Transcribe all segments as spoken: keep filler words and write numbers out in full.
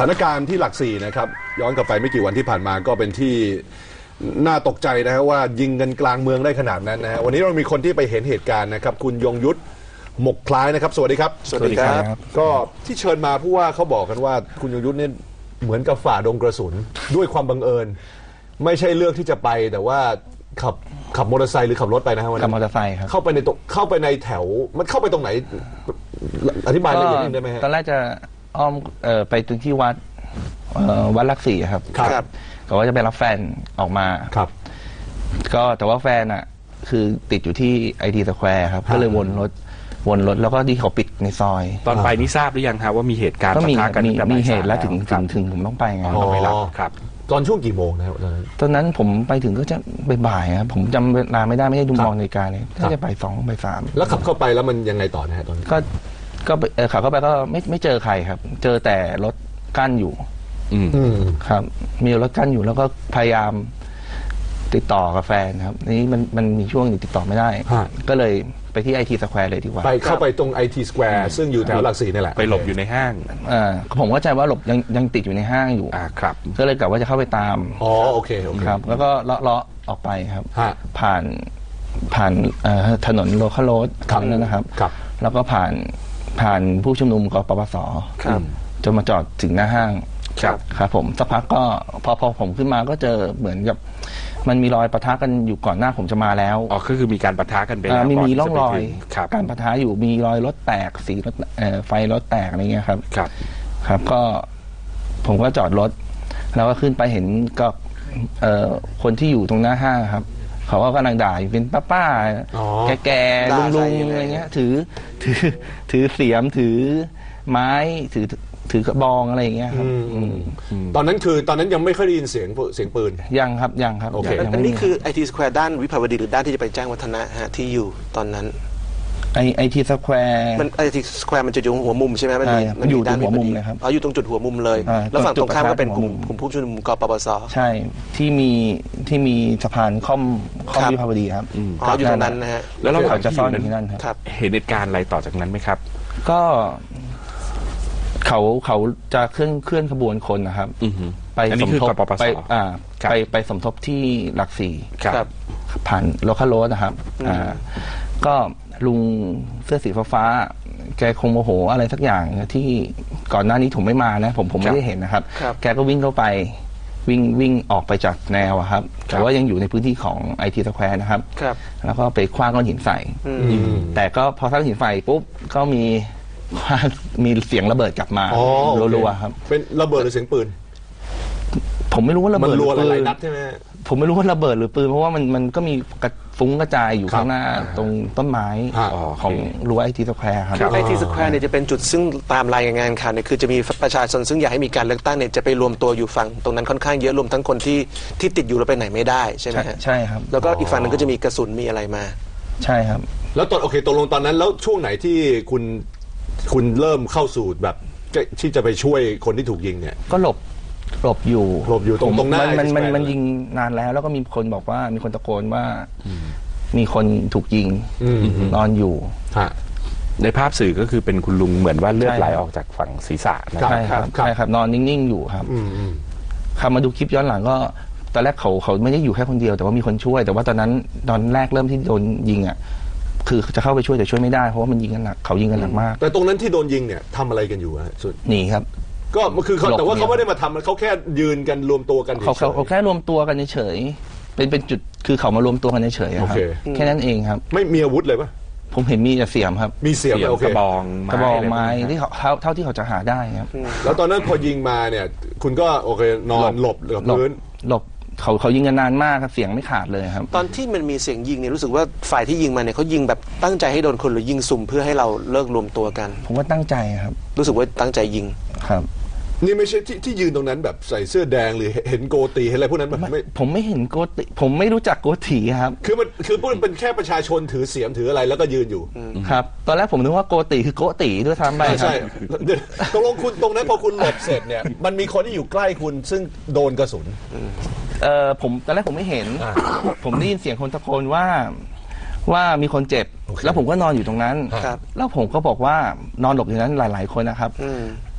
านการณ์ที่หลักสี่นะครับย้อนกลับไปไม่กี่วันที่ผ่านมาก็เป็นที่น่าตกใจนะครับว่ายิงกันกลางเมืองได้ขนาดนั้นนะฮะวันนี้เรามีคนที่ไปเห็นเหตุการณ์นะครับคุณยงยุทธหมกคล้ายนะครับสวัสดีครับสวัสดีครับก็ที่เชิญมาผู้ว่าเขาบอกกันว่าคุณยงยุทธเนี่ยเหมือนกับฝ่าดงกระสุนด้วยความบังเอิญไม่ใช่เลือกที่จะไปแต่ว่าขับขับมอเตอร์ไซค์หรือขับรถไปนะครับขับมอเตอร์ไซค์ครับเข้าไปในตเข้าไปในแถวมันเข้าไปตรงไหนอธิบายละเอียดนิดได้ไหมฮะตอนแรกจะอ้อมเอ่อไปตรงที่วัดวัดหลักสี่ครับครับก็ว่าจะไปรับแฟนออกมาครับก็แต่ว่าแฟนอ่ะคือติดอยู่ที่ไอทีสแควร์ครับก็เลยวนรถวนรถแล้วก็ที่เขาปิดในซอยตอนไปนี่ทราบหรือยังครับว่ามีเหตุการณ์ก็มีกันมีเหตุแล้วถึงถึงถึงผมต้องไปไงต้องไปรับครับตอนช่วงกี่โมงนะครับตอนนั้นตอนนั้นผมไปถึงก็จะบ่ายๆครับผมจำเวลาไม่ได้ไม่ได้ดูมองนาฬิกาเลยก็จะไปสองไปสามแล้วขับเข้าไปแล้วมันยังไงต่อนะฮะตอนก็ก็ขับเข้าไปก็ไม่ไม่เจอใครครับเจอแต่รถกั้นอยู่อืมครับมีรถกั้นอยู่แล้วก็พยายามติดต่อกับแฟนครับนี้มันมันมีช่วงติดต่อไม่ได้ก็เลยไปที่ไอทีสแควร์เลยดีกว่าไปเข้าไปตรงไอทีสแควร์ซึ่งอยู่แถวหลักสี่นี่แหละไปหลบอยู่ในห้างอ่าผมเข้าใจว่าหลบยังยังติดอยู่ในห้างอยู่อ่าครับก็เลยกะว่าจะเข้าไปตามอ๋อโอเคโอเคครับแล้วก็เลาะเลาะออกไปครับผ่านผ่านถนนโลคาลโรดนั่นนะครับแล้วก็ผ่านผ่านผู้ชุมนุมกปปสจนมาจอดถึงหน้าห้างครับครับผมสักพักก็พอพอผมขึ้นมาก็เจอเหมือนกับมันมีรอยปะทะกันอยู่ก่อนหน้าผมจะมาแล้วอ๋อก็คือมีการปะทะกันไปแล้วมีมีร่องรอยการปะทะอยู่มีรอยรถแตกสีรถไฟรถแตกอะไรเงี้ยครับครับครับก็ผมก็จอดรถแล้วก็ขึ้นไปเห็นก็คนที่อยู่ตรงหน้าห้างครับเขาก็กำลังด่าอยู่เป็นป้าป้าแก่ๆลุงๆอะไรเงี้ยถือถือถือเสียมถือไม้ถือถือกระบองอะไรอย่างเงี้ยครับตอนนั้นคือตอนนั้นยังไม่ค่อยได้ยินเสียงเสียงปืนยังครับยังครับโอเคอันนี้คือไอทีสแควร์ด้านวิภาวดีหรือด้านที่จะไปแจ้งวัฒนะฮะที่อยู่ตอนนั้นไอไอทีสแควร์มันไอทีสแควร์มันจะอยู่หัวมุมใช่ไหมมันมันอยู่ด้านหัวมุมเลยครับอ๋ออยู่ตรงจุดหัวมุมเลยแล้วฝั่งตรงข้ามก็เป็นกลุ่มกลุ่มผู้ชุมนุมกปปสใช่ที่มีที่มีสะพานค่อมค่อมวิภาวดีครับอ๋ออยู่ตรงนั้นนะฮะแล้วเราจะซ่อนอยู่ที่นั่นครับเห็นเหตุการณ์อะไรต่อจากนั้นไหมครับก็เขาเขาจะเคลื่อนเคลื่อนขบวนคนนะครับไปสมทบไปอ่าไปไปสมทบที่หลักสี่ผ่านโลคาลโรดนะครับอ่าก็ลุงเสื้อสีฟ้าแกคงโมโหอะไรสักอย่างที่ก่อนหน้านี้ผมไม่มานะผมผมไม่ได้เห็นนะครับแกก็วิ่งเข้าไปวิ่งวิ่งออกไปจากแนวครับแต่ว่ายังอยู่ในพื้นที่ของไอทีสแควร์นะครับแล้วก็ไปคว้างก้อนหินใส่แต่ก็พอคว้างหินใส่ปุ๊บก็มีมีเสียงระเบิดกลับมารัวๆครับเป็นระเบิดหรือเสียงปืนผมไม่รู้ว่าระเบิดหรือปืนนัดใช่ไหมผมไม่รู้ว่าระเบิดหรือปืนเพราะว่ามันมันก็มีกระฟุ้งกระจายอยู่ข้างหน้าตรงต้นไม้ของรั้วไอทีสแควร์ครับไอทีสแควร์เนี่ยจะเป็นจุดซึ่งตามรายงานข่าวเนี่ยคือจะมีประชาชนซึ่งอยากให้มีการเลือกตั้งเนี่ยจะไปรวมตัวอยู่ฝั่งตรงนั้นค่อนข้างเยอะรวมทั้งคนที่ที่ติดอยู่แล้วไปไหนไม่ได้ใช่ไหมใช่ครับแล้วก็อีกฝั่งนึงก็จะมีกระสุนมีอะไรมาใช่ครับแล้วตอนโอเคตกลงตอนนั้นแล้วช่วงไหนที่คุณคุณเริ่มเข้าสู่แบบที่จะไปช่วยคนที่ถูกยิงเนี่ยก็หลบหลบอยู่หลบอยู่ตรงตรงหน้ามันมันมันยิงนานแล้วแล้วก็มีคนบอกว่ามีคนตะโกนว่ามีคนถูกยิงนอนอยู่ในภาพสื่อก็คือเป็นคุณลุงเหมือนว่าเลือดไหลออกจากฝั่งศีรษะใช่ครับใช่ครับนอนนิ่งๆอยู่ครับคำมาดูคลิปย้อนหลังก็ตอนแรกเขาเขาไม่ได้อยู่แค่คนเดียวแต่ว่ามีคนช่วยแต่ว่าตอนนั้นตอนแรกเริ่มที่โดนยิงอ่ะคือจะเข้าไปช่วยแต่ช่วยไม่ได้เพราะว่ามันยิงกันหนักเขายิงกันหนักมากแต่ตรงนั้นที่โดนยิงเนี่ยทำอะไรกันอยู่ฮะสุดหนีครับก็คือเขาแต่ว่าเขาไม่ได้มาทำเขาแค่ยืนกันรวมตัวกันเขาเขาแค่รวมตัวกันเฉยเป็นเป็นจุดคือเขามารวมตัวกันเฉยครับแค่นั้นเองครับไม่มีอาวุธเลยปะผมเห็นมีแต่เสียมครับมีเสียมโอเคกระบองกระบองไม้ที่เขาเท่าเท่าที่เขาจะหาได้ครับแล้วตอนนั้นพอยิงมาเนี่ยคุณก็โอเคนอนหลบกับพื้นหลบเขาเขายิงกันนานมากครับเสียงไม่ขาดเลยครับตอนที่มันมีเสียงยิงเนี่ยรู้สึกว่าฝ่ายที่ยิงมาเนี่ยเขายิงแบบตั้งใจให้โดนคนหรือยิงสุ่มเพื่อให้เราเลิกรวมตัวกันผมว่าตั้งใจครับรู้สึกว่าตั้งใจยิงครับนี่ไม่ใช่ที่ที่ยืนตรงนั้นแบบใส่เสื้อแดงหรือเห็นโกตีเห็นอะไรพวกนั้นไม่ผมไม่เห็นโกตีผมไม่รู้จักโกตีครับคือมันคือพวกมันเป็นแค่ประชาชนถือเสียมถืออะไรแล้วก็ยืนอยู่ครับตอนแรกผมนึกว่าโกตีคือโกตีด้วยซ้ำไปใช่ตรงลงคุณตรงนั้นพอคุณหลบเสร็จเนี่ยมันมีคนที่อยู่ใกล้คุณซึ่งโดนกระสุนเออผมตอนแรกผมไม่เห็นผมได้ยินเสียงคนตะโกนว่าว่ามีคนเจ็บแล้วผมก็นอนอยู่ตรงนั้นแล้วผมก็บอกว่านอนหลบอยู่นั้นหลายๆคนนะครับ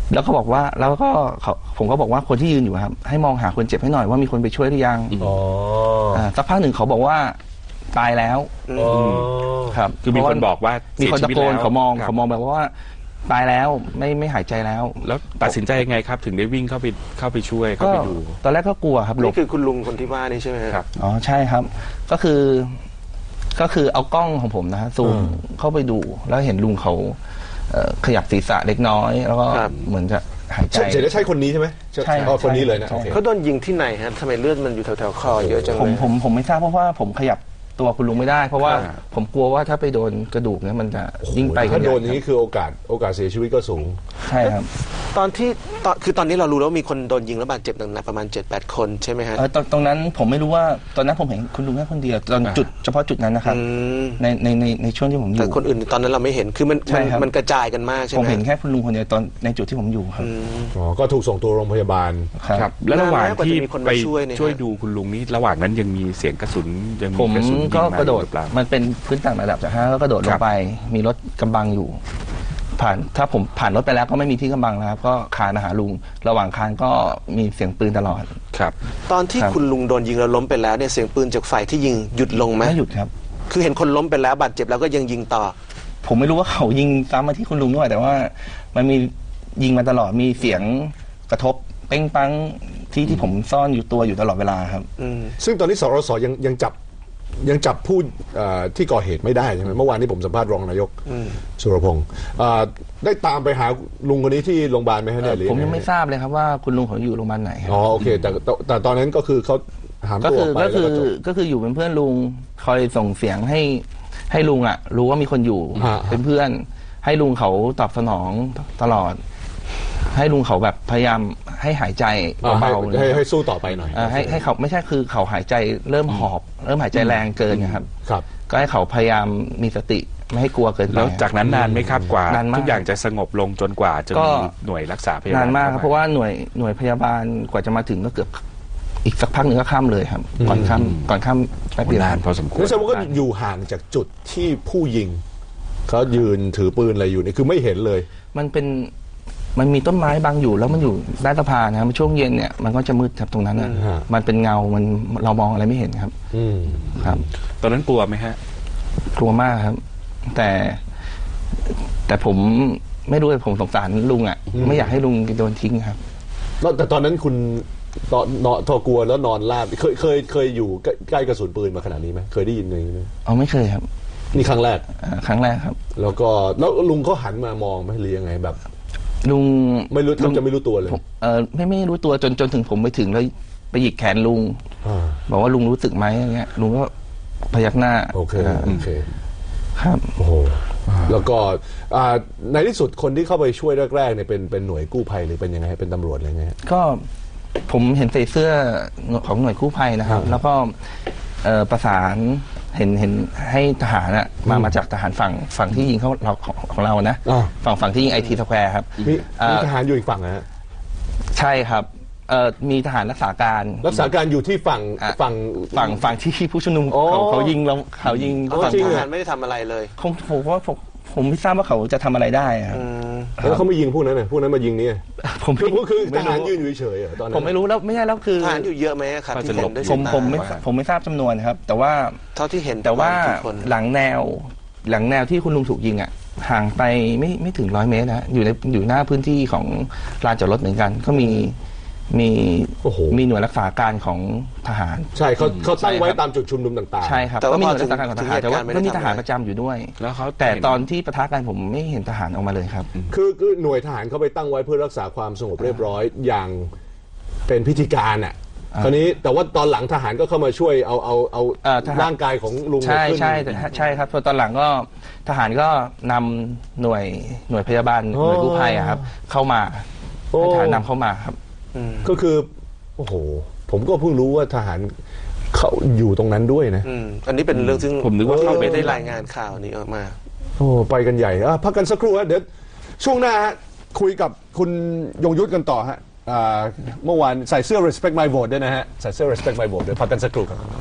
แล้วก็บอกว่าแล้วก็เขาผมก็บอกว่าคนที่ยืนอยู่ครับให้มองหาคนเจ็บให้หน่อยว่ามีคนไปช่วยหรือยังอ๋ออ่าสักพักหนึ่งเขาบอกว่าตายแล้วอ๋อครับคือมีคนบอกว่ามีคนตะโกนสียชีวิตแล้วเขามองครับเขามองแบบว่าตายแล้วไม่ไม่หายใจแล้วแล้วตัดสินใจยังไงครับ ถึงได้วิ่งเข้าไปเข้าไปช่วยเข้าก็ไปดูตอนแรกก็กลัวครับหลนี่บคือคุณลุงคนที่ว่านี่ใช่ไหมฮะครับอ๋อใช่ครับ ก็คือก็คือเอากล้องของผมนะฮะซูมเข้าไปดูแล้วเห็นลุงเขาเอ่อขยับศีรษะเล็กน้อย แล้วก็ครับเหมือนจะหายใจใช่เสียได้ใช่คนนี้ใช่ไหมใช่อ๋อคนนี้เลยนะใช่โอเคเขาโดนยิงที่ไหนฮะทำไมเลือดมันอยู่แถวๆคอเยอะจังผมเลยผมผมไม่ทราบเพราะว่าผมขยับตัวคุณลุงไม่ได้ เพราะว่าครับผมกลัวว่าถ้าไปโดนกระดูกเนี่ยมันจะยิ่งไปถ้าโดนอกัย่างใหญ่นี้คือโอกาสโอกาสเสียชีวิตก็สูงใช่ครับตอนที่ตอนคือตอนนี้เรารู้แล้วว่ามีคนโดนยิงแล้วบาดเจ็บหนักๆประมาณ เจ็ดแปด คนใช่ไหมฮะเออตรงตรงนั้นผมไม่รู้ว่าตอนนั้นผมเห็นคุณลุงแค่คนเดียวตอนจุดเฉพาะจุดนั้นนะครับอืมในในในในช่วงที่ผมอแต่ยู่คนอื่นตอนนั้นเราไม่เห็นคือมันใช่มันครับมันกระจายกันมากใช่ไหผม มเห็นแค่คุณลุงคนเดียวตอนในจุดที่ผมอยู่ครับอืมอ๋อ ก็ถูกส่งตัวโรงพยาบาลครับครับ แล้วระหว่างนานไหมกว่าที่จะมีคนมาไปช่วยเนี่ยช่วยฮะดูคุณลุงนี่ระหว่างนั้นยังมีเสียงกระสุนยังผมีมกระสุนยิงก็มากระโดดหรือเปล่ามันเป็นพื้นต่างระดับจากห้าก็กระโดดลครังบไป มีรถกำบังอยู่ ผ่านถ้าผมผ่านรถไปแล้วก็ไม่มีที่กำบังแล้วครับก็คานมาหาลุง ระหว่างคานก็มีเสียงปืนตลอดครับตอนที่ครับคุณลุงโดนยิงแล้วล้มไปแล้วเนี่ยเสียงปืนจากฝ่ายที่ยิงหยุดลงไหมไม่หยุดครับคือเห็นคนล้มไปแล้วบาดเจ็บแล้วก็ยังยิงต่อผมไม่รู้ว่าเขายิงซ้ำมาที่คุณลุงด้วยแต่ว่ามันมียิงมาตลอดมีเสียงกระทบเป้งปังที่ที่ผมซ่อนอยู่ตัวอยู่ตลอดเวลาครับอืมซึ่งตอนนี้สรสยังยังจับยังจับผู้เอ่อที่ก่อเหตุไม่ได้ใช่ไหมเมื่อวานที่ผมสัมภาษณ์รองนายกสุรพงศ์เอ่อได้ตามไปหาลุงคนนี้ที่โรงพยาบาลไหมฮะเนี่ยหรือผมยังไม่ทราบเลยครับว่าคุณลุงเขาอยู่โรงพยาบาลไหนครับอ๋อโอเคแต่แต่แต่ตอนนั้นก็คือเขาหามก็ตัวอคืออกไปก็แล้วคือก็จบก็คืออยู่เป็นเพื่อนลุงคอยส่งเสียงให้ให้ลุงอ่ะ รู้ว่ามีคนอยู่ฮะเป็นเพื่อน ให้ลุงเขาตอบสนองตลอด ให้ลุงเขาแบบพยายามให้หายใจอ่าให้เบาๆเลยให้ให้สู้ต่อไปหน่อยเอ่อให้ให้เขาไม่ใช่คือเขาหายใจเริ่มหอบ เริ่มหายใจแรงเกินนะครับครับก็ให้เขาพยายามมีสติไม่ให้กลัวเกินไปแล้วจากนั้นนานไหมครับกว่านานมากทุกอย่างจะสงบลงจนกว่าจะก็มีหน่วยรักษาพยาบาลนานมากครับข้เพราะว่าหน่วยหน่วยพยาบาลกว่าจะมาถึงก็เกือบอีกสักพักหนึ่งก็ข้ามเลยครับ ก่อนข้ามก่อนข้ามแป๊บโอ้เดียวนานพอสมควรนั่นแสดงว่าก็อยู่ห่างจากจุดที่ผู้ยิงเขายืนถือปืนอะไรอยู่นี่คือไม่เห็นเลยมันเป็นมันมีต้นไม้บังอยู่แล้วมันอยู่ใต้สะพานนะครับช่วงเย็นเนี่ยมันก็จะมืดครับตรงนั้นนะฮะมันเป็นเงา มันเรามองอะไรไม่เห็นครับอืมครับตอนนั้นกลัวไหมฮะกลัวมากครับ แต่ แต่ผมไม่รู้เลยผมสงสารลุงอ่ะ ไม่อยากให้ลุงโดนทิ้งครับแล้วแต่ตอนนั้นคุณตอนนอนทอกลัวแล้วนอนราบเคยเคยเคยอยู่ใกล้ใกล้กระสุนปืนมาขนาดนี้ไหมเคยได้ยินอย่างนี้ไหมเอาไม่เคยครับนี่ครั้งแรกเอ่อครั้งแรกครับแล้วก็แล้วลุงเขาหันมามองไหมหรือยังไงแบบลุงไม่รู้แทบจะไม่รู้ตัวเลยผมเออไม่ไม่รู้ตัวจนจนถึงผมไปถึงแล้วไปหยิกแขนลุงอ่าบอกว่าลุงรู้สึกไหมอย่างเงี้ยลุงก็พยักหน้าโอเคาโอเคครับโอ้โหแล้วก็อ่าในที่สุดคนที่เข้าไปช่วยแรกๆเนี่ยเป็นเป็นหน่วยกู้ภัยหรือเป็นยังไงฮะเป็นตำรวจอะไรเงี้ยก็ผมเห็นใส่เสื้อของหน่วยกู้ภัยนะครับอ่าแล้วก็เอ่อประสานเห็นเห็นให้ทหารอะมามาจากทหารฝั่งฝั่งที่ยิงเขาเราของของเรานะอ่าฝั่งฝั่งที่ยิงไอทีสแควร์ครับมีเอ่อมีทหารอยู่อีกฝั่งนะฮะใช่ครับเอ่อมีทหารรักษาการรักษาการอยู่ที่ฝั่งอ่ะฝั่งฝั่งฝั่งที่ผู้ชุมนุมอ๋อเขาเขายิงเราเขายิงอ๋อฝั่งจริงทเหรอหารไม่ได้ทำอะไรเลยคงผมว่าผมผมไม่ทราบว่าเขาจะทำอะไรได้ครับอืมแล้วเขาไม่ยิงพวกนั้นน่ะพวกนั้นมายิงนี่ผมคือพวกคือทไม่หารรู้ยืนอยู่เฉยๆเหรอตอนนั้นผมไม่รู้แล้วไม่ใช่แล้วคือทหารอยู่เยอะไหมครับก็ที่จะเห็หลนบด้วยผสายมตาผมไม่ผมไม่ทราบจำนวนครับ แต่ว่าเท่าที่เห็นแต่ว่าประมณกี่คนหลังแนวหลังแนวที่คุณลุงถูกยิงอ่ะห่างไปไม่ไม่ถึงร้อยเมตรนะอยู่ในอยู่หน้าพื้นที่ของลานจอดรถเหมือนกัน ก็มีมีโอ้โหมีหน่วยรักษาการของทหารใช่เขาเขาตั้งไว้ใช่ครับตามจุดชุมนุมต่างๆใช่ครับแต่ว่าก็มีหพอน่วยรักษาการของทหารถึงแต่ว่าเหตุการณ์ไม่ได้ก็มีทหารทำอะไรประจำอยู่ด้วยแล้วเขาแต่เห็นตอนที่ปะทะกันผมไม่เห็นทหารออกมาเลยครับคือคือหน่วยทหารเขาไปตั้งไว้เพื่อรักษาความสงบเรียบร้อยอย่างเป็นพิธีการอ่ะคราวนี้แต่ว่าตอนหลังทหารก็เข้ามาช่วยเอาเอาเอาเอ่อทหารร่างกายของลุงใช่ขึ้นใช่แต่ใช่ครับพอตอนหลังก็ทหารก็นำหน่วยหน่วยพยาบาลหน่วยกู้ภัยอะครับ เข้ามาโอ้ให้ทหารนำเข้ามาครับก็คือโอ้โหผมก็เพิ่งรู้ว่าทหารเขาอยู่ตรงนั้นด้วยนะอืมอันนี้เป็นเรื่องซึ่งผมนึกว่าเราเข้าไปไม่ได้ได้รายงานข่าวนี้ออกมาโอ้ไปกันใหญ่อ่ะพักกันสักครู่ฮะเดี๋ยวช่วงหน้าฮะคุยกับคุณยงยุทธกันต่อฮะอ่าเมื่อวานใส่เสื้อ respect my vote ด้วยนะฮะใส่เสื้อ respect my vote เดี๋ยวพักกันสักครู่ครับ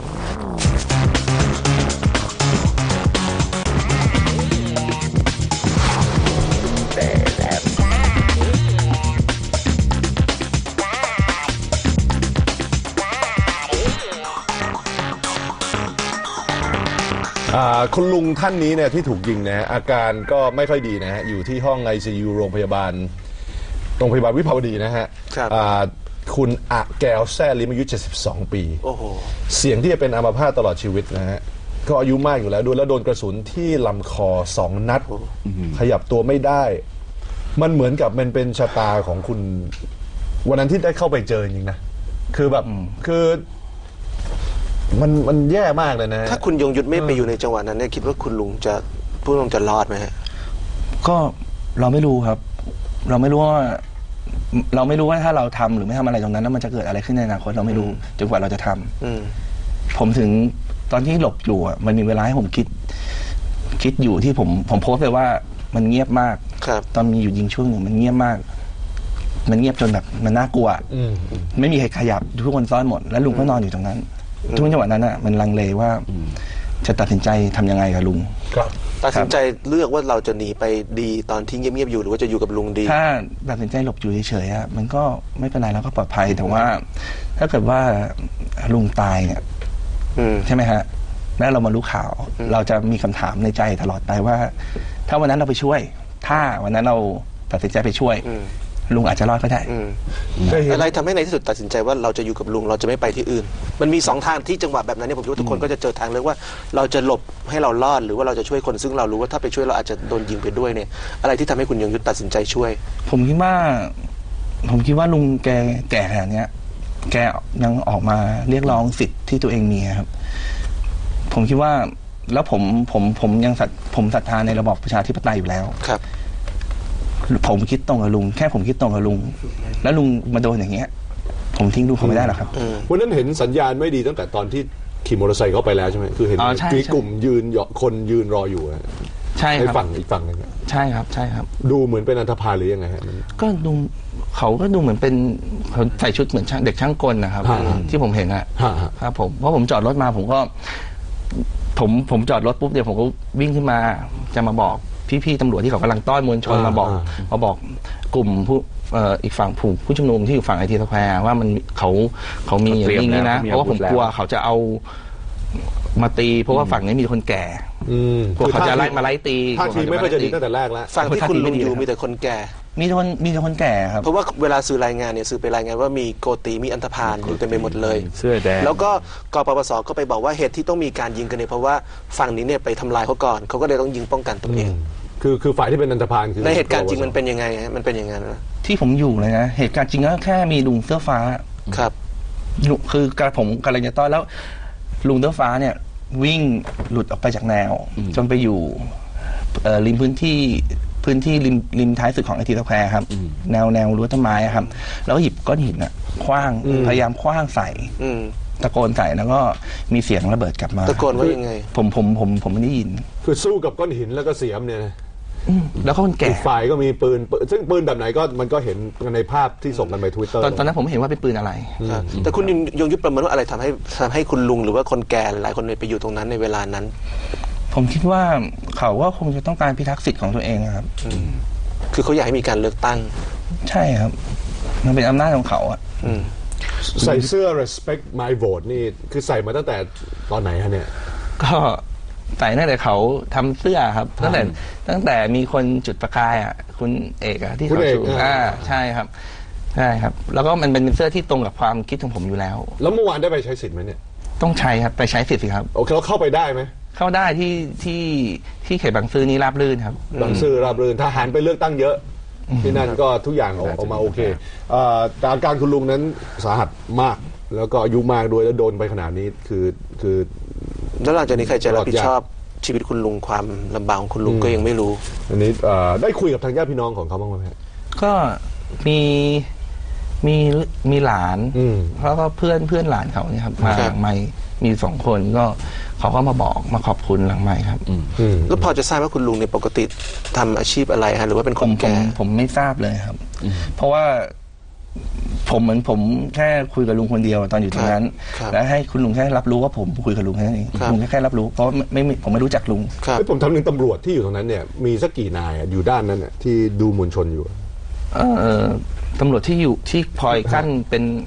อ่าคุณลุงท่านนี้เนี่ยที่ถูกยิงนะฮะอาการก็ไม่ค่อยดีนะฮะอยู่ที่ห้อง ไอ ซี ยู โรงพยาบาลโรงพยาบาลวิภาวดีนะฮะครับอ่าคุณอะแก้วแซ่ลิมอายุเจ็ดสิบสองปีโอ้โหเสี่ยงที่จะเป็นอัมพาตตลอดชีวิตนะฮะก็อายุมากอยู่แล้วด้วยแล้วโดนกระสุนที่ลำคอสองนัดขยับตัวไม่ได้ มันเหมือนกับมันเป็นชะตาของคุณวันนั้นที่ได้เข้าไปเจอจริงๆนะคือแบบคือมันมันแย่มากเลยนะฮะถ้าคุณยงยุทธไม่ไปอยู่ในจังหวะนั้นเนี่ยคิดว่าคุณลุงจะผู้ลุงจะรอดไหมฮะก็เราไม่รู้ครับ เราไม่รู้ว่า เราไม่รู้ว่าถ้าเราทำหรือไม่ทำอะไรตรงนั้นแล้วมันจะเกิดอะไรขึ้นในอนาคตเราไม่รู้จนกว่าเราจะทำอืมผมถึงตอนที่หลบอยู่อ่ะมันมีเวลาให้ผมคิด คิดอยู่ที่ผมผมโพสต์ไปว่ามันเงียบมากครับตอนมีอยู่ยิงช่วงหนึ่งมันเงียบมาก มันเงียบจนแบบมันน่ากลัวอืมไม่มีใครขยับทุกคนซ่อนหมดแล้วลุงก็นอนอยู่ตรงนั้นทุกจังหวะนั้นอ่ะมันลังเลว่าจะตัดสินใจทำยังไงกับลุงครับตัดสินใจเลือกว่าเราจะหนีไปดีตอนที่เงียบๆอยู่หรือว่าจะอยู่กับลุงดีถ้าตัดสินใจหลบอยู่เฉยๆอะมันก็ไม่เป็นไรแล้วก็ปลอดภัยแต่ว่า ถ้าเกิดว่าลุงตายเนี่ยอืมใช่ไหมฮะแล้วเรามารู้ข่าว เราจะมีคำถามในใจตลอดไปว่า ถ้าวันนั้นเราไปช่วย ถ้าวันนั้นเราตัดสินใจไปช่วยอืมลุงอาจจะรอดก็ได้อืมเคยเห็นอะไรทำให้ในที่สุดตัดสินใจว่าเราจะอยู่กับลุงเราจะไม่ไปที่อื่น มันมีสองทางที่จังหวะแบบนั้นเนี่ยผมคิดว่าทุกคนก็จะเจอทางเลือกว่าเราจะหลบให้เรารอดหรือว่าเราจะช่วยคนซึ่งเรารู้ว่าถ้าไปช่วยเราอาจจะโดนยิงไปด้วยเนี่ยอะไรที่ทำให้คุณยงยุทธตัดสินใจช่วยผมคิดว่า ผมคิดว่าลุงแกแก่ขนาดเนี้ย แกยังออกมาเรียกร้องสิทธิ์ที่ตัวเองมีครับ ผมคิดว่า แล้วผมผมผมยังศรัทผมศรัทธาในระบอบประชาธิปไตยอยู่แล้วครับผมคิดตรงกับลุงแค่ผมคิดตรงกับลุงแล้วลุงมาโดนอย่างเงี้ย ผมทิ้งลุงเขาไม่ได้หรอกครับวันนั้นเห็นสัญญาณไม่ดีตั้งแต่ตอนที่ขี่มอเตอร์ไซค์เข้าไปแล้วใช่ไหมคือเห็นอ๋อใช่มีใช่กลุ่มยืนเหยาะคนยืนรออยู่อะใช่ในครับฝั่งอีกฝั่งหนึงอะใช่ครับ ใช่ครับดูเหมือนเป็นอันธพาลหรือยังไงฮะมันก็ดูเขาก็ดูเหมือนเป็นเขาใส่ชุดเหมือนช่างเด็กช่างกลนะครับฮะที่ผมเห็นอะฮะฮะครับผมเพราะผมจอดรถมาผมก็ ผมผมจอดรถปุ๊บเดี๋ยวผมก็วิ่งขึ้นมาจะมาบอกพี่ๆตำรวจที่เขากำลังต้อนมวลชนมาบอกมาบอกกลุ่มผู้เอ่ออีกฝั่งผู้ผู้ชุมนุมที่อยู่ฝั่งไอทีสแควร์ว่ามันเขาเขามีอย่างนี้อย่างนี้นะเพราะว่าผมกลัวเขาจะเอามาตี เพราะว่าฝั่งนี้มีคนแก่อืมกลัวเขาจะไล่มาไล่ตีท่าทีไม่ค่อยจะดีตั้งแต่แรกแล้วฝั่งที่คุณลุงอยู่มีแต่คนแก่มีแต่คนมีแต่คนแก่ครับเพราะว่าเวลาสื่อรายงานเนี่ยสื่อไปรายงานว่ามีโกตีมีอันธพาลอยู่เต็มไปหมดเลยเสื้อแดงแล้วก็กปปสก็ไปบอกว่าเหตุที่ต้องมีการยิงกันเนี่ยเพราะว่าฝั่งนี้เนี่ยไปทำลายเขาก่อนเขาก็เลยต้องยิงป้องกันตัวเองคือคือฝ่ายที่เป็นอันธพาลคือในเหตุการณ์จริงมันเป็นยังไงฮะมันเป็นอย่างนั้นนะที่ผมอยู่เลยนะเหตุการณ์จริงก็แค่มีลุงเสื้อฟ้าครับลุงคือกระผมกำลังจะต้อนแล้ว ลุงเสื้อฟ้าเนี่ย วิ่งหลุดออกไปจากแนว จนไปอยู่เอ่อริมพื้นที่พื้นที่ริมริมท้ายสุดของไอทีสแควร์ครับ แนวแนวรั้วต้นไม้อะครับ แล้วก็หยิบก้อนหินอะคว้างพยายามคว้างใส่อืมตะโกนใส่แล้วก็มีเสียงระเบิดกลับมาตะโกนว่ายังไงผมผมผมผมไม่ได้ยินคือสู้กับก้อนหินแล้วก็เสียมเนี่ยนะอืมแล้วก็คนแก่อีกฝ่ายก็มีปืนปืนซึ่งปืนแบบไหนก็มันก็เห็นกันในภาพที่ส่งกันไปทวิตเตอร์ตอนตอนนั้นผมไม่เห็นว่าเป็นปืนอะไรครับแต่คุณยงยุทธประเมินว่าอะไรทำให้ทำให้คุณลุงหรือว่าคนแก่หลายคนเนี่ยไปอยู่ตรงนั้นในเวลานั้นผมคิดว่าเขาก็คงจะต้องการพิทักษ์สิทธิ์ของตัวเองนะครับคือเขาอยากให้มีการเลือกตั้งใช่ครับ มันเป็นอำนาจของเขาอะอืมใส่เสื้อ respect my vote นี่คือใส่มาตั้งแต่ตอนไหนฮะเนี่ยก็ใส่ตั้งแต่เขาทำเสื้อครับตั้งแต่ตั้งแต่มีคนจุดประกายอ่ะคุณเอกอะที่คุณเขาเอกชูอ่าอ่าใช่ครับใช่ครับ แล้วก็มันเป็นเสื้อที่ตรงกับความคิดของผมอยู่แล้วแล้วเมื่อวานได้ไปใช้สิทธิ์ไหมเนี่ยต้องใช้ครับไปใช้สิทธิ์สิครับโอเคเราเข้าไปได้ไหมเข้าได้ที่ที่ที่เขตบางซื่อนี่ราบรื่นครับบางซื่อราบรื่นทหารไปเลือกตั้งเยอะ ที่นั่นก็ทุกอย่างออกออกมาโอเคเอ่อแต่อาการคุณลุงนั้นสาหัสมาก แล้วก็อายุมากด้วยแล้วโดนไปขนาดนี้คือคือแล้วหลังจากนี้ใครจะรับผิดชอบชีวิตคุณลุงความลำบากของคุณลุงก็ยังไม่รู้อันนี้เอ่อได้คุยกับทางญาติพี่น้องของเขาบ้างไหมฮะก็มีมีมีหลานอืมแล้วก็เพื่อนเพื่อนหลานเขาเนี่ยครับมาครับหลังไมค์มีสองคนก็เขาก็มาบอกมาขอบคุณหลังไมค์ครับอืมแล้วพอจะทราบว่าคุณลุงเนี่ยปกติทำอาชีพอะไรฮะหรือว่าเป็นผคนมผมแก่ผมไม่ทราบเลยครับ เพราะว่าผมเหมือนผมแค่คุยกับลุงคนเดียวตอนอยู่ตรงนั้นครับแล้วให้คุณลุงแค่รับรู้ว่าผมคุยกับลุงแค่นั้นเองครับลุงแค่แค่รับรู้เพราะไม่ไม่ผมไม่รู้จักลุงครับเฮ้ยผมทำหนึ่งตำรวจที่อยู่ตรงนั้นเนี่ยมีสักกี่นายอะอยู่ด้านนั้นน่ะที่ดูมวลชนอยู่เออตำรวจที่อยู่ที่พลอยกั้นเป็น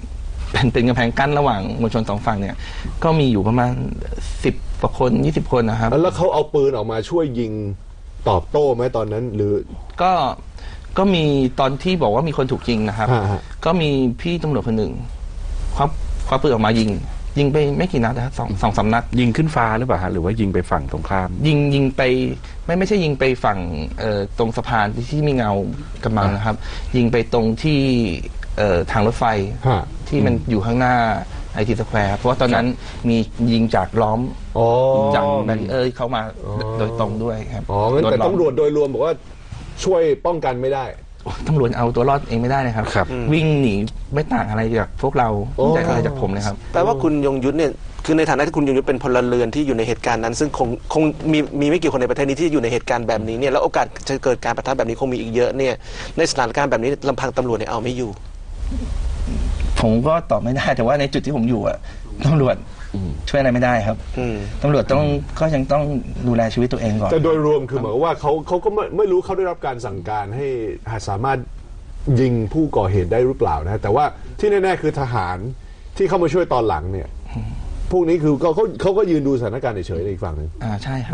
เป็นเป็นกำแพงกั้นระหว่างมวลชนสองฝั่งเนี่ยก็มีอยู่ประมาณสิบกว่าคนยี่สิบคนนะครับแล้วเขาเอาปืนออกมาช่วยยิงตอบโต้ไหมตอนนั้นหรือก็ก็มีตอนที่บอกว่ามีคนถูกยิงนะครับก็มีพี่ตำรวจคนหนึ่งควักควักปืนออกมายิงยิงไปไม่กี่นัดนะครับสองสองสามนัดยิงขึ้นฟ้าหรือเปล่าฮะหรือว่ายิงไปฝั่งตรงข้ามยิงยิงไปไม่ไม่ใช่ยิงไปฝั่งเอ่อตรงสะพานที่มีเงากำบังนะครับยิงไปตรงที่เอ่อทางรถไฟที่มันอยู่ข้างหน้าไอทีสแควร์เพราะว่าตอนนั้นมียิงจากล้อมจากแบรีเออร์เข้ามาโดยตรงด้วยครับอ๋อแต่ตำรวจโดยรวมบอกว่าช่วยป้องกันไม่ได้ตำรวจเอาตัวรอดเองไม่ได้นะครับวิ่งหนีไม่ต่างอะไรจากพวกเราจากอะไรจากผมเลยครับแปลว่าคุณยงยุทธเนี่ยคือในฐานะที่คุณยงยุทธเป็นพลเรือนที่อยู่ในเหตุการณ์นั้นซึ่งคงคงมีมีไม่กี่คนในประเทศนี้ที่อยู่ในเหตุการณ์แบบนี้เนี่ยแล้วโอกาสจะเกิดการปะทะแบบนี้คงมีอีกเยอะเนี่ยในสถานการณ์แบบนี้ลำพังตำรวจเนี่ยเอาไม่อยู่ผมก็ตอบไม่ได้แต่ว่าในจุดที่ผมอยู่อะตำรวจช่วยอะไรไม่ได้ครับตำรวจต้องก็ยังต้องดูแลชีวิตตัวเองก่อนแต่โดยรวมคือหมายว่าเขาเขาก็ไม่ไม่รู้เขาได้รับการสั่งการให้สามารถยิงผู้ก่อเหตุได้หรือเปล่านะแต่ว่าที่แน่ๆคือทหารที่เข้ามาช่วยตอนหลังเนี่ยพวกนี้คือเขาเขาเขาก็ยืนดูสถานการณ์เฉยๆในอีกฝั่งนึงอ่าใช่ครับ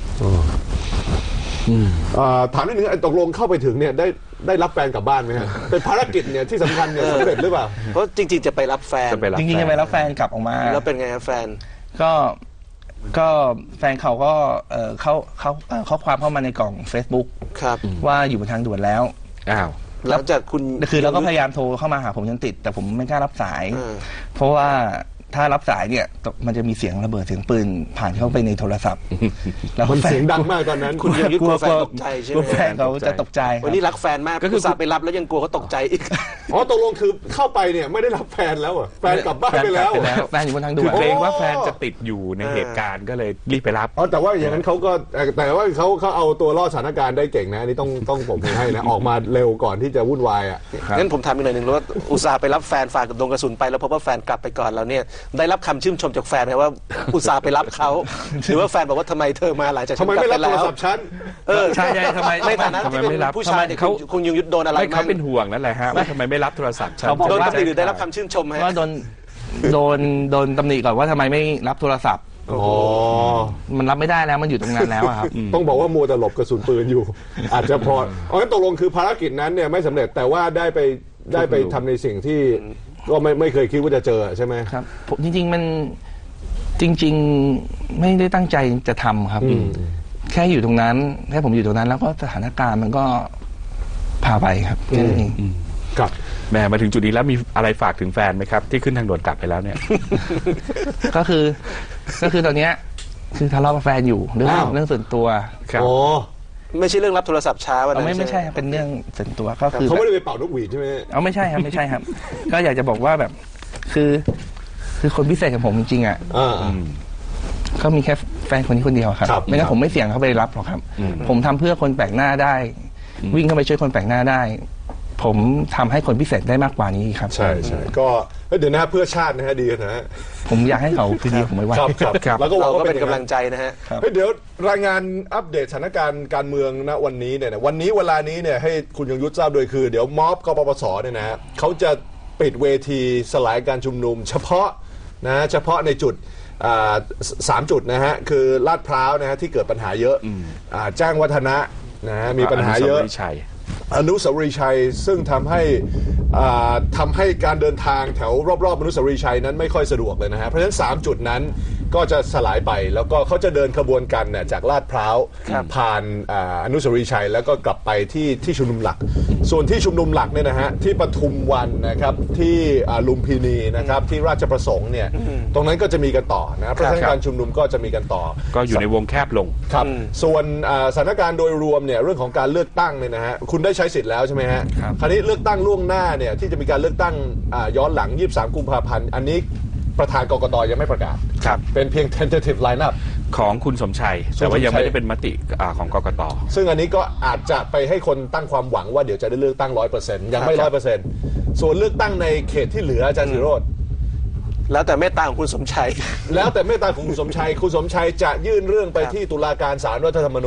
ถามนิดนึงตกลงเข้าไปถึงเนี่ยได้ได้รับแฟนกลับบ้านไหมฮะเป็นภารกิจเนี่ยที่สำคัญเนี่ยสำเร็จหรือเปล่าเพราะจริงๆจะไปรับแฟนจริงๆจะไปรับแฟนกลับออกมาแล้วเป็นไงครับแฟนก็ก็แฟนเขาก็เขาเขาข้อความเข้ามาในกล่อง Facebook ครับว่าอยู่บนทางด่วนแล้วอ้าวแล้วจากคุณคือเราก็พยายามโทรเข้ามาหาผมจนติดแต่ผมไม่กล้ารับสายเพราะว่าถ้ารับสายเนี่ยมันจะมีเสียงระเบิดเสียงปืนผ่านเข้าไปในโทรศัพท์แล้วมันเสียงดังมากตอนนั้นคุณยังยึดกลัวแฟนตกใจใช่ไหมแฟนเขาจะตกใจวันนี้รักแฟนมากก็คือไปรับแล้วยังกลัวเขาตกใจอีกอ๋อตกลงคือเข้าไปเนี่ยไม่ได้รับแฟนแล้วอ่ะแฟนกลับบ้านไปแล้วแฟนอยู่บนทางด่วนเกรงว่าแฟนจะติดอยู่ในเหตุการณ์ก็เลยรีบไปรับอ๋อแต่ว่าอย่างนั้นเขาก็แต่ว่าเขาเขาเอาตัวรอดสถานการณ์ได้เก่งนะนี่ต้องต้องผมให้นะออกมาเร็วก่อนที่จะวุ่นวายอ่ะงั้นผมถามอีกหน่อยหนึ่งว่าอุตส่าห์ไปรับแฟนฝากกับโดนกระสุนไปแล้วพบว่าแฟนกลับไปก่อนแล้วเนี่ยได้รับคำชื่นชมจากแฟนนะว่าอุตส่าห์ไปรับเขาหรือว่าแฟนบอกว่าทำไมเธอมาหลังจากทำไมไม่รับโทรศัพท์ฉันเออใช่ใช่ทำไมในฐานะที่เป็นผู้ชายเขาคงยังยึดโดนอะไรเขาเป็นห่วงนั่นแหละฮะว่าทำไมไม่รับโทรศัพท์ฉันโดนตำหนิหรือได้รับคำชื่นชมไหมว่าโดนโดนโดนตำหนิก่อนว่าทำไมไม่รับโทรศัพท์อ๋อมันรับไม่ได้แล้วมันอยู่ตรงนั้นแล้วครับต้องบอกว่ามัวแต่หลบกระสุนปืนอยู่อาจจะพออ๋องั้นตกลงคือภารกิจนั้นเนี่ยไม่สำเร็จแต่ว่าได้ไปได้ไปทำในสิ่งที่ก็ไม่ไม่เคยคิดว่าจะเจอใช่ไหมครับจริงๆมันจริงๆไม่ได้ตั้งใจจะทำครับแค่อยู่ตรงนั้นแค่ผมอยู่ตรงนั้นแล้วก็สถานการณ์มันก็พาไปครับแค่นั้นเองครับแม่มาถึงจุดนี้แล้วมีอะไรฝากถึงแฟนไหมครับที่ขึ้นทางด่วนกลับไปแล้วเนี่ยก็คือก็คือตอนเนี้ยคือทะเลาะกับแฟนอยู่เรื่องเรื่องส่วนตัวครับโอ้ไม่ใช่เรื่องรับโทรศัพท์ช้าวันนั้นไม่ไม่ใช่เป็นเรื่องส่วนตัวก็คือเขาไม่ได้ไปเป่านกหวีดใช่ไหมเอาไม่ใช่ครับไม่ใช่ครับก็อยากจะบอกว่าแบบคือคือคนพิเศษกับผมจริงๆอ่ะก็มีแค่แฟนคนนี้คนเดียวครับไม่งั้นผมไม่เสี่ยงเข้าไปรับหรอกครับผมทำเพื่อคนแปลกหน้าได้วิ่งเข้าไปช่วยคนแปลกหน้าได้ผมทำให้คนพิเศษได้มากกว่านี้ครับใช่ใช่ก็เดี๋ยวนะเพื่อชาตินะฮะดีนะฮะผมอยากให้เขาคือดีผมไม่ว่าครับแล้วก็เราก็เป็นกำลังใจนะฮะเดี๋ยวรายงานอัปเดตสถานการณ์การเมืองณวันนี้เนี่ยวันนี้เวลานี้เนี่ยให้คุณยงยุทธทราบโดยคือเดี๋ยวม็อบกปปสเนี่ยนะเขาจะปิดเวทีสลายการชุมนุมเฉพาะนะเฉพาะในจุดสามจุดนะฮะคือลาดพร้าวนะฮะที่เกิดปัญหาเยอะแจ้งวัฒนะนะฮะมีปัญหาเยอะอนุสาวรีย์ชัยซึ่งทำให้ทำให้การเดินทางแถวรอบๆอนุสาวรีย์ชัยนั้นไม่ค่อยสะดวกเลยนะฮะเพราะฉะนั้นสามจุดนั้นก็จะสลายไปแล้วก็เขาจะเดินขบวนกันเนี่ยจากลาดพร้าวผ่านอนุสาวรีย์ชัยแล้วก็กลับไปที่ที่ชุมนุมหลักส่วนที่ชุมนุมหลักเนี่ยนะฮะที่ปทุมวันนะครับที่ลุมพินีนะครับที่ราชประสงค์เนี่ยตรงนั้นก็จะมีกันต่อนะเพราะฉะนั้นการชุมนุมก็จะมีกันต่อก็อยู่ในวงแคบลงครับส่วนสถานการณ์โดยรวมเนี่ยเรื่องของการเลือกตั้งเนี่ยนะฮะคุณได้ใช้สิทธิ์แล้วใช่ไหมฮะคราวนี้เลือกตั้งล่วงหน้าเนี่ยที่จะมีการเลือกตั้งย้อนหลังยี่สิบสามกุมภาพันธ์อันนี้ประธานกกต.ยังไม่ประกาศเป็นเพียง tentative lineup ของคุณสมชัยแต่ว่ายังไม่ได้เป็นมติของกกต. ซึ่งอันนี้ก็อาจจะไปให้คนตั้งความหวังว่าเดี๋ยวจะได้เลือกตั้ง ร้อยเปอร์เซ็นต์ ยังไม่ ร้อยเปอร์เซ็นต์ ส่วนเลือกตั้งในเขตที่เหลืออาจารย์ศิโรจน์แล้วแต่เมตตาของคุณสมชัยแล้วแต่เมตตาของคุณสมชัยคุณสมชัยจะยื่นเรื่องไปที่ตุลาการศาลรัฐธรรมนูญ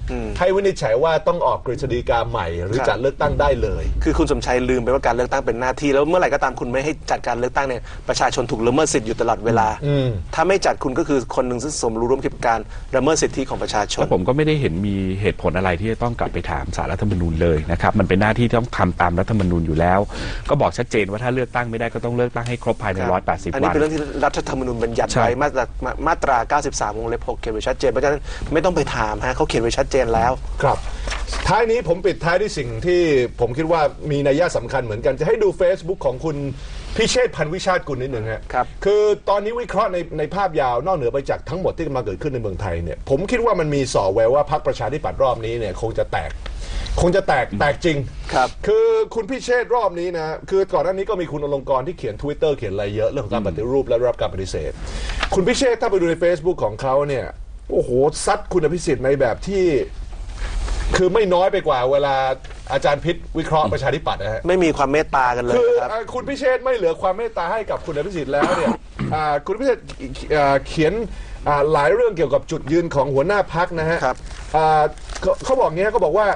ให้วินิจฉัยว่าต้องออกกฤษฎีกาใหม่ หรือจัดเลือกตั้งได้เลยคือคุณสมชัยลืมไปว่าการเลือกตั้งเป็นหน้าที่แล้วเมื่อไหร่ก็ตามคุณไม่ให้จัดการเลือกตั้งเนี่ยประชาชนถูกละเมิดสิทธิ์อยู่ตลอดเวลาถ้าไม่จัดคุณก็คือคนหนึ่งซึ่งสมรู้ร่วมคิดการละเมิดสิทธิของประชาชนผมก็ไม่ได้เห็นมีเหตุผลอะไรที่จะต้องกลับไปถามศาลรัฐธรรมนูญเลยนะครับมันเป็นหน้าที่ที่ต้องทำตามรัฐธรรมนูญอยู่แล้วก็บอกชัดเจนว่าถ้าเลือกตั้งไม่ได้ก็ต้องเลือกตั้งให้ครบภายในหนึ่งร้อยแปดสิบวันอันนี้เป็นเรื่องที่รัฐธรรมนูญบัญญัติไว้มาตรามาตราเก้าสิบสามวงเล็บหกเขียนไว้ชัดเจนเพราะฉะนั้นไม่ต้องไปถามฮะเขาเขียนไว้ชัดเจนแล้วครับท้ายนี้ผมปิดท้ายด้วยสิ่งที่ผมคิดว่ามีนัยยะสำคัญเหมือนกันจะให้ดู Facebook ของคุณพิเชษฐ์พันวิชาติกุลนิดหนึ่งฮะครับคือตอนนี้วิเคราะห์ในในภาพยาวนอกเหนือไปจากทั้งหมดที่กำลังเกิดขึ้นในเมืองไทยเนี่ยผมคิดว่ามันมีส่อแววว่าพรรคประชาธิปัตย์รอบนี้เนี่ยคงจะแตกคงจะแตกแตกจริงครับคือคุณพิเชษฐ์รอบนี้นะคือก่อนหน้านี้ก็มีคุณอลงกรณ์ที่เขียน Twitter เขียนอะไรเยอะเรื่องของการปฏิรูปและรับการปฏิเสธคุณพิเชษฐ์ถ้าไปดูใน Facebook ของเขาเนี่ยโอ้โหซัดคุณอภิสิทธิ์ในแบบที่คือไม่น้อยไปกว่าเวลาอาจารย์พิษวิเคราะห์ประชาธิปัตย์นะฮะไม่มีความเมตตากันเลยคือครับคุณพิเชษฐ์ไม่เหลือความเมตตาให้กับคุณอภิสิทธิ์แล้วเนี่ยคุณพิเชษฐ์เขียนหลายเรื่องเกี่ยวกับจุดยืนของหัวหน้าพรรคนะฮะเขาบอกงี้เขาบอกว่า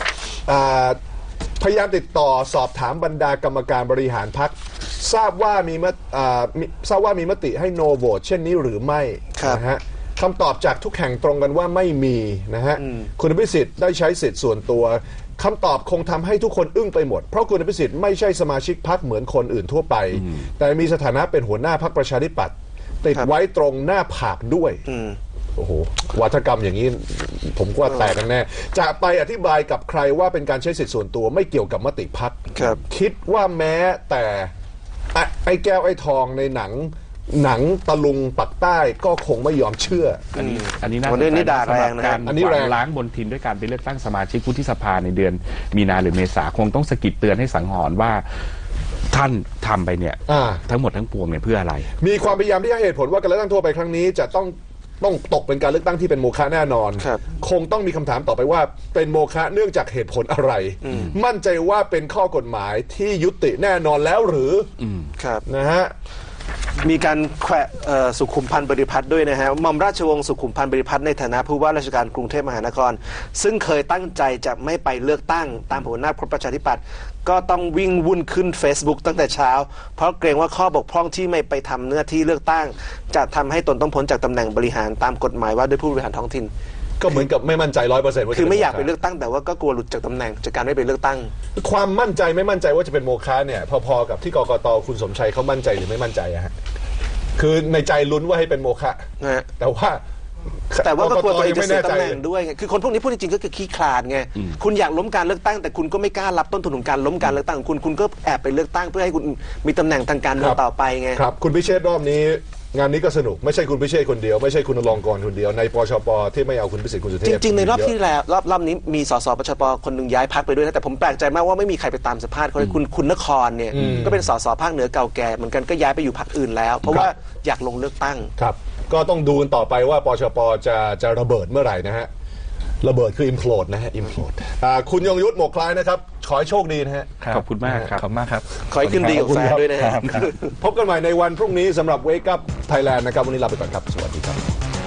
พยายามติดต่อสอบถามบรรดากรรมการบริหารพรรคทราบว่ามีทราบว่ามีมติให้โนโหวตเช่นนี้หรือไม่นะฮะคำตอบจากทุกแห่งตรงกันว่าไม่มีนะฮะคุณอภิสิทธิ์ได้ใช้สิทธิ์ส่วนตัวคำตอบคงทำให้ทุกคนอึ้งไปหมดเพราะคุณอภิสิทธิ์ไม่ใช่สมาชิกพรรคเหมือนคนอื่นทั่วไปแต่มีสถานะเป็นหัวหน้าพรรคประชาธิปัตย์ติดไว้ตรงหน้าผากด้วยโอ้โหวัฒกรรมอย่างนี้ผมว่าแตกกันแน่จะไปอธิบายกับใครว่าเป็นการใช้สิทธิ์ส่วนตัวไม่เกี่ยวกับมติพรรคคิดว่าแม้แต่ไอ้แก้วไอ้ทองในหนังหนังตะลุงปักใต้ก็คงไม่ยอมเชื่ออันนี้อันนี้น่าสนใจสำหรับการอันนี้แรงล้างบนทินด้วยการไปเลือกตั้งสมาชิกวุฒิสภาในเดือนมีนาหรือเมษาคงต้องสะกิดเตือนให้สังหรณ์ว่าท่านทำไปเนี่ยทั้งหมดทั้งปวงเนี่ยเพื่ออะไรมีความพยายามที่ให้เหตุผลว่าการเลือกตั้งทั่วไปครั้งนี้จะต้องต้องตกเป็นการเลือกตั้งที่เป็นโมฆะแน่นอนคงต้องมีคำถามต่อไปว่าเป็นโมฆะเนื่องจากเหตุผลอะไรมั่นใจว่าเป็นข้อกฎหมายที่ยุติแน่นอนแล้วหรือนะฮะมีการแขวะสุขุมพันธ์บริพัตรด้วยนะฮะหม่อมราชวงศ์สุขุมพันธ์บริพัตรในฐานะผู้ว่าราชการกรุงเทพมหานครซึ่งเคยตั้งใจจะไม่ไปเลือกตั้งตามหัวหน้าพรรคประชาธิปัตย์ก็ต้องวิ่งวุ่นขึ้น Facebook ตั้งแต่เช้าเพราะเกรงว่าข้อบกพร่องที่ไม่ไปทำหน้าที่เลือกตั้งจะทำให้ตนต้องพ้นจากตำแหน่งบริหารตามกฎหมายว่าด้วยผู้บริหารท้องถิ่นก็เหมือนกับไม่มั่นใจร้อยเปอร์เซ็นต์ว่าคือไม่อยากไปเลือกตั้งแต่ว่าก็กลัวหลุดจากตำแหน่งจากการไม่ไปเลือกตั้งความมั่นใจไม่มั่นใจว่าจะเป็นโมฆะเนี่ยพอๆกับที่กกต.คุณสมชัยเขามั่นใจหรือไม่มั่นใจอะฮะคือในใจลุ้นว่าให้เป็นโมฆะแต่ว่าแต่ว่าก็กลัวตัวเองจะเสียตำแหน่งด้วยคือคนพวกนี้พูดจริงๆก็คือขี้คลาดไงคุณอยากล้มการเลือกตั้งแต่คุณก็ไม่กล้ารับต้นทุนของการล้มการเลือกตั้งของคุณคุณก็แอบไปเลือกตั้งเพื่อให้คุณมีตำแหน่งทางการเมืองต่อไปไงครับคุณพิเชษฐ์รอบนี้งานนี้ก็สนุกไม่ใช่คุณพิเชษฐ์คนเดียวไม่ใช่คุณอลงกรณ์คนเดียวในปชปที่ไม่เอาคุณพิสิทธิ์คุณสุเทพจริงๆในรอบที่แล้วรอบรอบนี้มีสสปชปคนหนึ่งย้ายพรรคไปด้วยนะแต่ผมแปลกใจมากว่าไม่มีใครไปตามสัมภาษณ์เขาเลยคุณคุณนครเนี่ยก็เป็นสสภาคเหนือเก่าแก่เหมือนกันก็ย้ายไปอยู่พรรคอื่นแล้วเพราะว่าอยากลงเลือกตั้งครับก็ต้องดูกันต่อไปว่าปชปจะจะระเบิดเมื่อไหร่นะฮะระเบิดคือ implode นะฮะ implode คุณยงยุทธหมวกคล้ายนะครับขอให้โชคดีนะฮะขอบคุณมากครับขอบมากครับขอให้ขึ้นดีกับแฟนด้วยนะฮะพบกันใหม่ในวันพรุ่งนี้สำหรับ Wake Up Thailand นะครับวันนี้ลาไปก่อนครับสวัสดีครับ